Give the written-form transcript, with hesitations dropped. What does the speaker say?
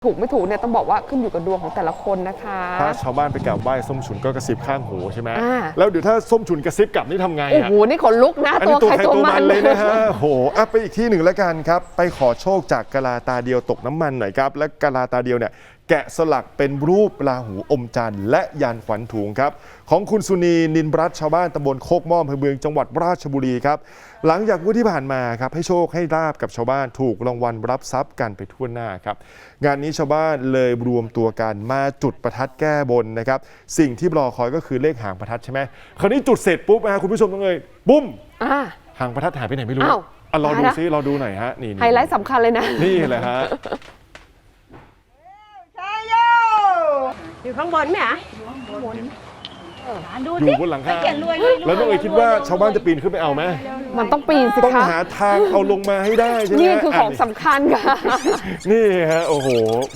ถูกไม่ถูกเนี่ยต้องบอกว่าขึ้นอยู่กับดวงของแต่ละคนนะคะถ้าชาวบ้านไปกราบไหว้ส้มฉุนก็กระซิบข้างหูใช่ไหมแล้วเดี๋ยวถ้าส้มฉุนกระซิบกลับนี่ทำไงโอ้โหนี่ขนลุกนะตัวใครตัวมันเลยนะฮะโอ้โหไปอีกที่หนึ่งแล้วกันครับไปขอโชคจากกะลาตาเดียวตกน้ำมันหน่อยครับและกะลาตาเดียวเนี่ยแกะสลักเป็นรูปราหูอมจันทร์และยานขวัญถุงครับของคุณสุนีนินรัตน์ชาวบ้านตำบลโคกม่อมอำเภอเมืองจังหวัดราชบุรีครับหลังจากวันที่ผ่านมาครับให้โชคให้ลาบกับชาวบ้านถูกรางวัลรับทรัพย์กันไปทั่วหน้าครับงานนี้ชาวบ้านเลยรวมตัวกันมาจุดประทัดแก้บนนะครับสิ่งที่รอคอยก็คือเลขหางประทัดใช่ไหมคราวนี้จุดเสร็จปุ๊บคุณผู้ชมต้องเลยบุ้มหางประทัดหายไปไหนไม่รู้รอดูซิรอดูหน่อยฮะนี่ไฮไลท์สำคัญเลยนะนี่แหละฮะอยู่ข้างบนไหมอ่ะอยู่ข้างบนอยู่บนหลังคาแล้วน้องเอ๋ยคิดว่าชาวบ้านจะปีนขึ้นไปเอาไหมมันต้องปีนสิคะต้องหาทางเอาลงมาให้ได้ใช่ไหมนี่คือของสำคัญค่ะนี่ฮะโอ้โห